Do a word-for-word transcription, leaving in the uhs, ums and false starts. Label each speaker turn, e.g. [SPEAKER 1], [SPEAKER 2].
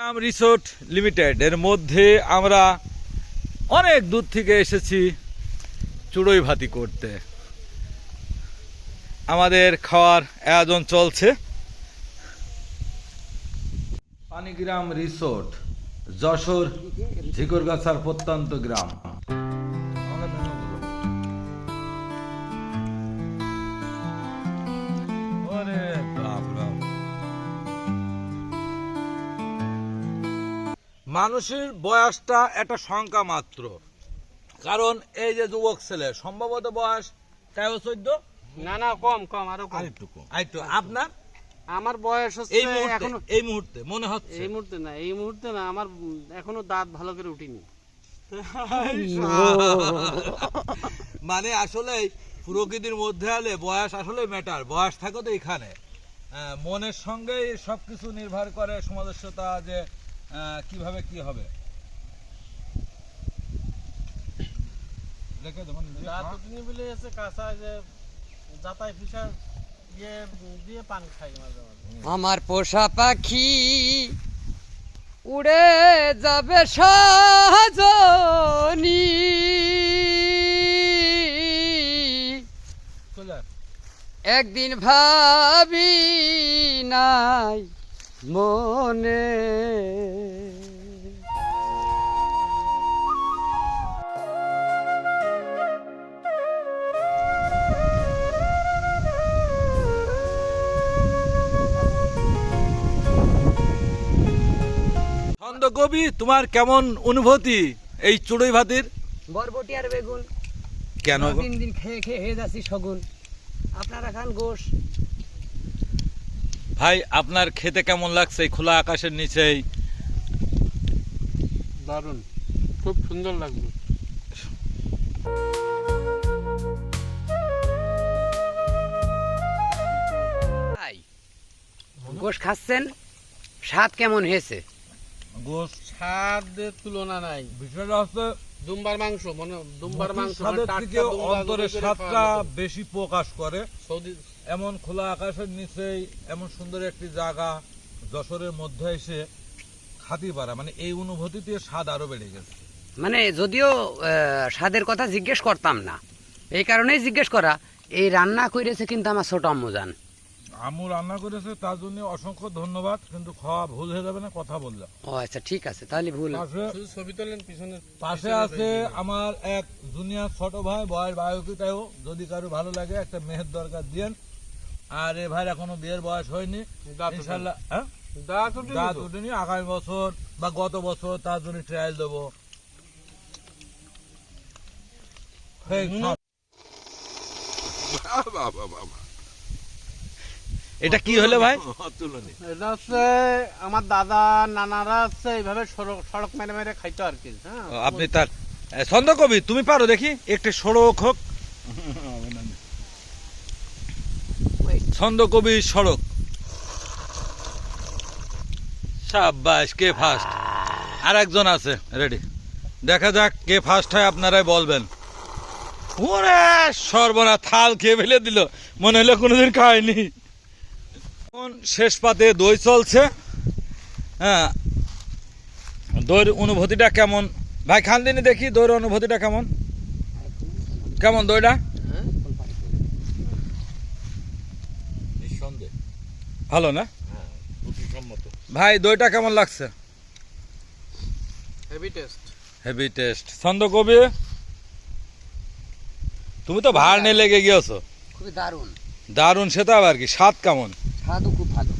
[SPEAKER 1] পানিগ্রাম resort limited এর মধ্যে আমরা অনেক দূর থেকে এসেছি চুড়ই ভাতি করতে। আমাদের খাওয়ার আয়োজন চলছে। পানিগ্রাম রিসোর্ট, যশোর ঝিকরগাছার প্রত্যন্ত গ্রাম। মানুষের বয়সটা একটা সংখ্যা মাত্র, কারণ এই যে যুবক ছেলে সম্ভবত বয়স তেরো চোদ্দ,
[SPEAKER 2] না না কম কম আরো কম,
[SPEAKER 1] আরেকটু কম। আরেকটু আপনার
[SPEAKER 2] আমার বয়স হচ্ছে
[SPEAKER 1] এই মুহূর্তে
[SPEAKER 2] এখনো
[SPEAKER 1] এই মুহূর্তে মনে হচ্ছে
[SPEAKER 2] এই মুহূর্তে না এই মুহূর্তে না আমার এখনো দাঁত ভালো করে উঠিনি।
[SPEAKER 1] মানে আসলে প্রকৃতির মধ্যে হলে বয়স আসলে ম্যাটার, বয়স থাকে তো এখানে। আহ, মনের সঙ্গেই সবকিছু নির্ভর করে সমাজস্যতা, যে আহ, কিভাবে কি হবে।
[SPEAKER 2] দাঁত উঠিনি বলে এসে কাঁচা যে যাতাই ফিসা ইয়ে দিয়ে পানি খাই মাঝে মাঝে।
[SPEAKER 3] আমার পোষা পাখি উড়ে যাবে সজনী, একদিন ভাবি নাই মনে।
[SPEAKER 1] ছন্দকবি, তোমার কেমন অনুভূতি এই চুড়ই ভাতির?
[SPEAKER 3] বরবটি আর বেগুন
[SPEAKER 1] কেন গো?
[SPEAKER 3] তিন দিন খেয়ে খেয়ে হয়ে যাচ্ছি শগুন, আপনারা খান গোশ।
[SPEAKER 1] ভাই, আপনার খেতে কেমন লাগছে এই খোলা আকাশের নিচেই?
[SPEAKER 2] দারুণ, খুব সুন্দর লাগবে।
[SPEAKER 3] গোশ খাচ্ছেন, স্বাদ কেমন হয়েছে?
[SPEAKER 1] গোশ
[SPEAKER 2] স্বাদের তুলনা নাই।
[SPEAKER 1] বিষয়টা হচ্ছে
[SPEAKER 2] দুম্বার মাংস, মনে দুম্বার মাংস মানে
[SPEAKER 1] স্বাদের
[SPEAKER 2] টাটকা
[SPEAKER 1] থেকে
[SPEAKER 2] দুম্বা
[SPEAKER 1] অন্তরের
[SPEAKER 2] করে
[SPEAKER 1] স্বাদটা
[SPEAKER 2] খাওয়ানো তো।
[SPEAKER 1] বেশি প্রকাশ করে।
[SPEAKER 2] সৌদি
[SPEAKER 1] এমন খোলা আকাশের নিচেই এমন সুন্দর একটি জায়গা যশোরের মধ্যে এসে খাতি পারা, মানে এই অনুভূতিতে স্বাদ আরো বেড়ে গেছে।
[SPEAKER 3] মানে যদিও আহ, স্বাদের কথা জিজ্ঞেস করতাম না, এই কারণেই জিজ্ঞেস করা, এই রান্না করেছে কিন্তু আমার ছোট আম্মুজান।
[SPEAKER 1] আম্মু রান্না করেছে, তার জন্য অসংখ্য ধন্যবাদ। কিন্তু খাওয়া ভুল হয়ে যাবে না, কথা বললে।
[SPEAKER 3] ও আচ্ছা, ঠিক আছে, তাহলে ভুল।
[SPEAKER 1] পাশে
[SPEAKER 2] শুধু ছবি তোলেন পিছনে।
[SPEAKER 1] পাশে আছে আমার এক জুনিয়র ছোট ভাই, বয়ের বায়োকিটাও যদি কারো ভালো লাগে একটা মেয়ের দরকার দিয়েন। আর এ ভাই এখনো বিয়ের বয়স হয়নি, ইনশাল্লাহ। হ্যাঁ,
[SPEAKER 2] দাঁত উঠিনি
[SPEAKER 1] দাঁত
[SPEAKER 2] তো?
[SPEAKER 1] উঠেনি, আগামী বছর বা গত বছর তার জন্য ট্রায়াল দেবো। এই খাও। এটা কি হলো ভাই?
[SPEAKER 2] এটা হচ্ছে আমার দাদা নানারা হচ্ছে এইভাবে সড়ক সড়ক মেরে মেরে খাইতো আর কি। হ্যাঁ,
[SPEAKER 1] ও, আপনি তার ছন্দ কবি, তুমি পারো দেখি একটি সড়ক হোক। ছন্দ কবি সড়ক। সাব্বাস, কে ফার্স্ট? আর একজন আছে রেডি, দেখা যাক কে ফার্স্ট হয়, আপনারাই বলবেন। ওরে সর্বনা, থাল খেয়ে ফেলে দিল, মনে হলো কোনোদিন খায়নি। এখন শেষ পাতে দই চলছে। হ্যাঁ, দইয়ের অনুভূতিটা কেমন ভাই? খান দিনই দেখি দইয়ের অনুভূতিটা কেমন কেমন দইটা? ভালো না ভাই? দইটা কেমন লাগছে?
[SPEAKER 2] Heavy taste.
[SPEAKER 1] Heavy taste. ছন্দ কবি, তুমি তো ভাড় নিয়ে লেগে গিয়েছো।
[SPEAKER 3] খুবই দারুণ
[SPEAKER 1] দারুণ, সে তো আবার কি, স্বাদ কেমন?
[SPEAKER 3] স্বাদও খুব ভালো।